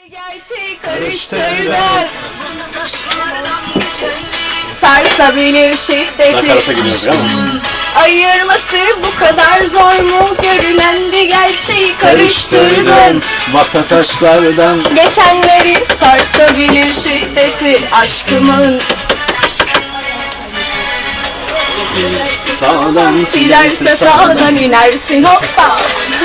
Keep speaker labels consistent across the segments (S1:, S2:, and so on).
S1: Gerçeği karıştırdın. Sarsabilir şiddeti. Ayırması bu kadar zor mu? Görülen bir gerçeği karıştırdın.
S2: Masa taşlardan
S1: Geçenleri sarsabilir şiddeti aşkımın.
S2: sağdan
S1: Silerse sağdan inersin hoppa.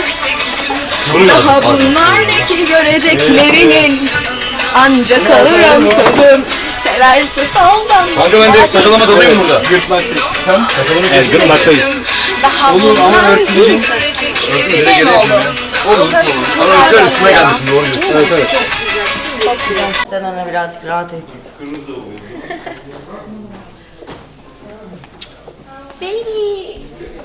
S1: Daha bunlar ne ki göreceklerinin. Ancak alırım sözüm. Severse soldan.
S3: Kanka ben de sakalama dalayım burada.
S2: Evet, gırtlaktayız.
S1: Daha
S3: Olur ama
S1: bunlar
S3: örtülecek.
S1: bir şey mi oldu?
S3: Olur. Ama rüzgar üstüne geldi şimdi doğru diyorsun. Evet evet.
S4: Sen ona birazcık rahat et. Baby.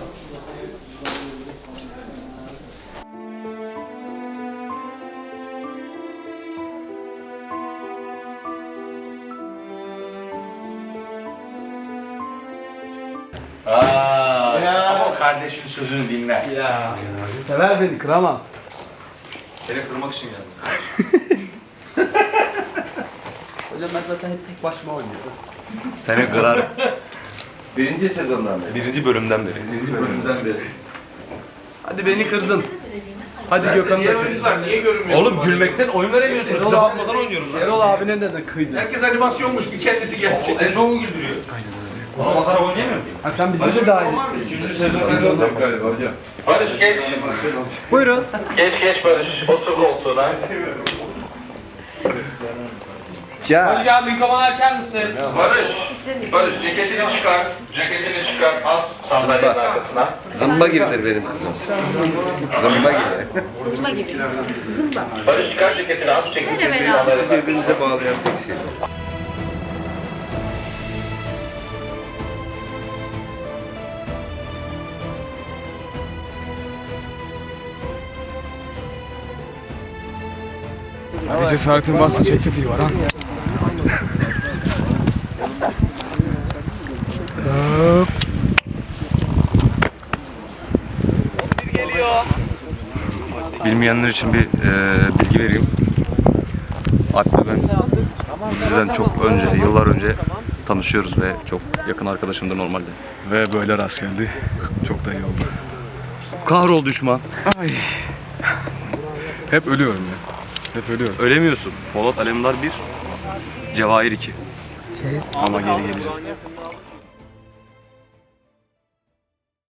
S3: Ama o kardeşin sözünü dinler.
S2: Ya sever beni, kıramaz.
S3: Seni kırmak için geldim.
S2: Hocam ben zaten hep tek başıma oynuyorum.
S3: Seni kırar.
S5: Birinci sezondan beri.
S3: Birinci bölümden beri.
S5: Birinci bölümden beri.
S2: Hadi beni kırdın. Hadi Gökhan'ı da kırdın.
S5: var? Niye görünmüyor?
S3: Oğlum gülmekten oyun veremiyorsunuz. Size bakmadan oynuyoruz lan.
S2: Erol abine de kıydın.
S5: Herkes animasyonmuş bir kendisi gerçek.
S3: En çok mu güldürüyor? Bana bakarak oynayamıyor muyum?
S2: Ha sen bizi de dahil et.
S5: Üçüncü sezon galiba hocam.
S6: Barış geç.
S2: Buyurun.
S6: Geç Barış. Otur koltuğuna.
S7: Hocam mikrofonu açar mısın?
S6: Barış ceketini çıkar. Ceketini çıkar. As sandalyenin arkasına.
S5: Zımba gibidir benim kızım. Zımba gibi.
S4: Zımba gibi. Zımba.
S6: Barış çıkar ceketini as. Ceketini
S5: Bizi birbirinize bağlayan tek şey.
S8: Bir cesaretin varsa çek tetiği var ha.
S3: Bilmeyenler için bir bilgi vereyim. Alp'le ben sizden çok önce, yıllar önce tanışıyoruz ve çok yakın arkadaşımdır normalde.
S8: Ve böyle rast geldi. Çok da iyi oldu.
S3: Kahrol düşman.
S8: Ay. Hep ölüyorum ya. Hep ölüyorum.
S3: Ölemiyorsun. Polat Alemdar 1, Cevahir 2.
S8: Ama geri geleceğim.